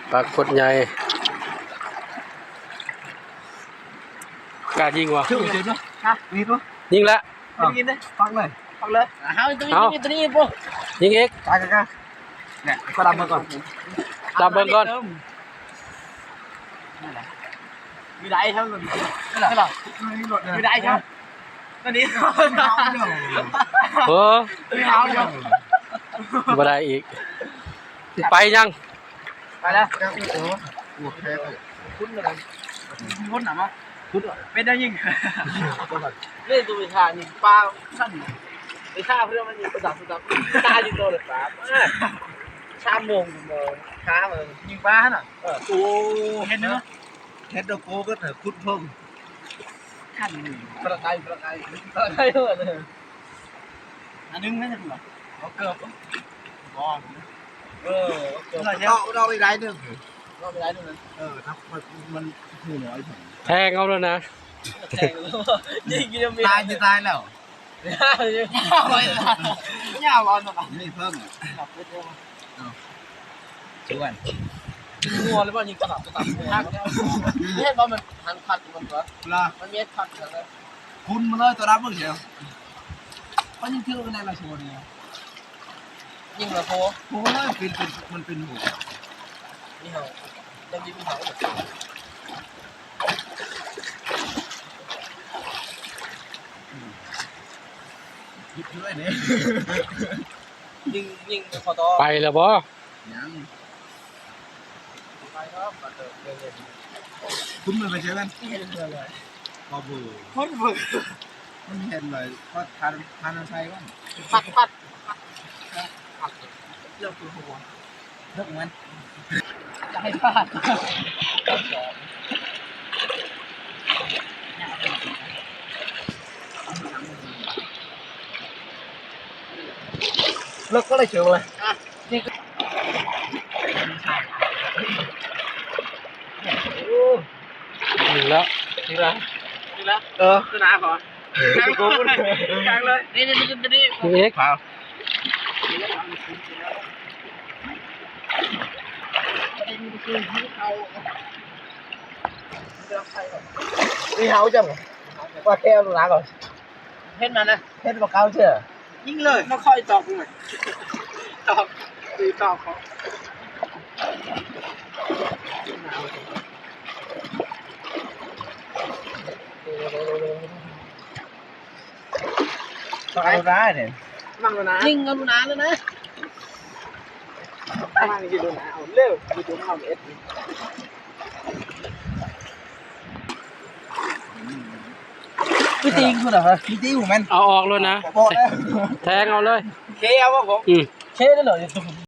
ปากกดใหญ่กล้ายิงวะชื่อยิงด้วยฮะยิงด้วยยิงละยิงเลยฟังเลยเอาตัวนี้ปุ๊บยิงอีกกายเนี่ยก็ดำมาก่อนดับเบิ้งก่อนมีได้ใช่ไหมไม่หรอมีได้ใช่ไหมตอนนี้เออไม่เอาเดี๋ยวบ่ได้อีกไปยังไปแล้วคุ้นเลยคุ้นหนามั้ยคุ้นเป็นได้ยิ่งเล่นตัววิชานี่ปลาสั้นวิชาเพื่อนมันยิงประดับตาอยู่ตัวเลยครับชาโมงช้าเลยยิงปลาหน่ะโอ้เห็นเนอะเห็นดอกโก้ก็เถอะคุ้นเพิ่มขั้นประกายเลยอันนึงไม่ใช่หรอเอาเกือบก้อนเราไปได้หนึ่งเราไปได้หนึ่งถ้ามันหูน้อยถึงแทงเอาแล้วนะยิงยังมีตายจะตายแล้วย่าร้อนหรอนี่เพิ่มชวนงัวหรือว่ายิงกระดับนี่เห็นว่ามันหันพัดมันเหรอมันเม็ดพัดเหรอคุณมาเลยตัวรับมึงเชียวเขายิงชื่อกันในละชวนเนี่ยยิงเหรอโค้เลยเป็นมันเป็นหัวนี่เหรอจะยิงเหรอยิงด้วยเนี่ยยิงขอต่อไปแล้วบ่ยังไปครับคุณมันไปเจอกันเห็นเลยพอบูคนบูมันเห็นเลยก็ทานใช้กันพัดเลือกตัวหัวเลือกมันจะให้พลาดเลิกก็เลยเฉียวเลยนี่ก็ยิงแล้วนี่ละสนามก่อนกลางเลยนี่ยิงอีกนี่เฮาจังว่าแค่ลูกน้าก่อนเฮ็ดมันนะเฮ็ดมาเก้าเชื่อยิงเลยไม่ค่อยตอกหน่อยตอกตีตอกเขาตอกลูกน้าเนี่ยมั่งลูกน้ายิงกับลูกน้าเลยนะมั่งยิงลูกน้าเอาเร็วดูตัวมันเอสพี่ตีคุณเหรอพี่ตีผมมันเอาออกเลยนะบอกแล้วแทงเอาเลยเคเอาว่าผมเคได้เหรอ